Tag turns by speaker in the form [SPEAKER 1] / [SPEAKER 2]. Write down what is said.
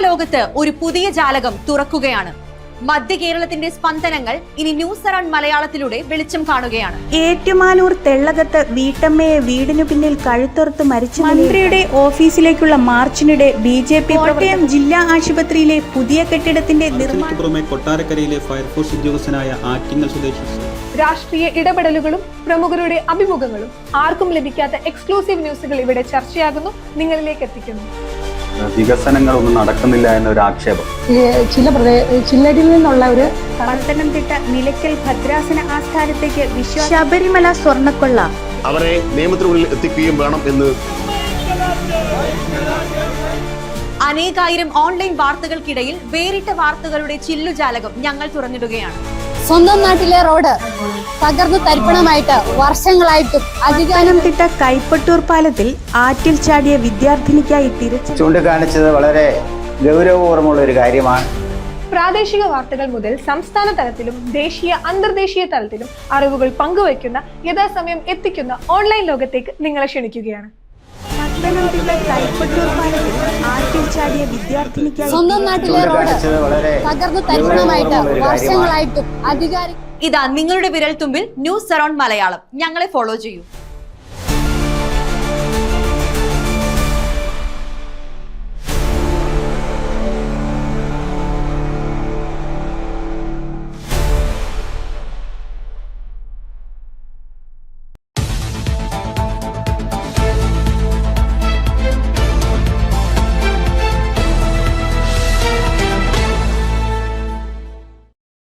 [SPEAKER 1] ലോകത്ത് ഒരു പുതിയ ജാലകം തുറക്കുകയാണ്. മധ്യ കേരളത്തിന്റെ സ്പന്ദനങ്ങൾ ഇനി ന്യൂസ് അറൗണ്ട് മലയാളത്തിലൂടെ വെളിച്ചം കാണുകയാണ്.
[SPEAKER 2] ഏറ്റുമാനൂർ തെള്ളകത്ത് വീട്ടമ്മയെ വീടിനു പിന്നിൽ കഴുത്തറുത്ത് മരിച്ച മന്ത്രിയുടെ ഓഫീസിലേക്കുള്ള മാർച്ചിനിടെ BJP കോട്ടയം ജില്ലാ ആശുപത്രിയിലെ പുതിയ കെട്ടിടത്തിന്റെ
[SPEAKER 3] പുറമെ കൊട്ടാരക്കരയിലെ ഫയർഫോഴ്സ് ഉദ്യോഗസ്ഥനായ ആറ്റിങ്ങൽ സ്വദേശി.
[SPEAKER 4] രാഷ്ട്രീയ ഇടപെടലുകളും പ്രമുഖരുടെ അഭിമുഖങ്ങളും ആർക്കും ലഭിക്കാത്ത എക്സ്ക്ലൂസീവ് ന്യൂസുകൾ ഇവിടെ ചർച്ചയാകുന്നു, നിങ്ങളിലേക്ക് എത്തിക്കുന്നു.
[SPEAKER 5] വികസനങ്ങളൊന്നും നടക്കുന്നില്ല എന്നൊരു ആക്ഷേപം
[SPEAKER 2] ചില്ലടിയിൽ നിന്നുള്ള ഒരു പത്തനംതിട്ട നിലയ്ക്കൽ ഭദ്രാസന ആസ്ഥാനത്തേക്ക് ശബരിമല സ്വർണ്ണക്കൊള്ള
[SPEAKER 6] അവരെ നിയമത്തിനുള്ളിൽ എത്തിക്കുകയും വേണം എന്ന്
[SPEAKER 1] അനേകായിരം ഓൺലൈൻ വാർത്തകൾക്കിടയിൽ വേറിട്ട വാർത്തകളുടെ ചില്ലുജാലകം ഞങ്ങൾ തുറന്നിടുകയാണ്.
[SPEAKER 7] സ്വന്തം നാട്ടിലെ റോഡ് തകർന്നു തരിപ്പണമായിട്ട് വർഷങ്ങളായിട്ടും
[SPEAKER 2] പത്തനംതിട്ട കൈപ്പട്ടൂർ പാലത്തിൽ ആറ്റിൽ ചാടിയ വിദ്യാർത്ഥിനിക്കായി തിരച്ചിൽ
[SPEAKER 5] ചൂണ്ടിക്കാണിച്ചത് വളരെ ഗൗരവപൂർവ്വമുള്ള ഒരു കാര്യമാണ്.
[SPEAKER 4] പ്രാദേശിക വാർത്തകൾ മുതൽ സംസ്ഥാന തലത്തിലും ദേശീയ അന്തർദേശീയ തലത്തിലും അറിവുകൾ പങ്കുവയ്ക്കുന്ന യഥാസമയം എത്തിക്കുന്ന ഓൺലൈൻ ലോകത്തേക്ക് നിങ്ങളെ ക്ഷണിക്കുകയാണ്.
[SPEAKER 2] പത്തനംതിട്ട കൈപ്പട്ടൂർ പാലത്തിൽ ആറ്റിൽ ചാടിയ വിദ്യാർത്ഥിനിക്കായി
[SPEAKER 7] സ്വന്തം നാട്ടിലെ റോഡ് തകർന്നു തരിപ്പണമായിട്ട് വർഷങ്ങളായിട്ടും അധികാരി
[SPEAKER 1] ഇതാ നിങ്ങളുടെ വിരൽത്തുമ്പിൽ ന്യൂസ് അറൗണ്ട് മലയാളം. ഞങ്ങളെ ഫോളോ ചെയ്യൂ.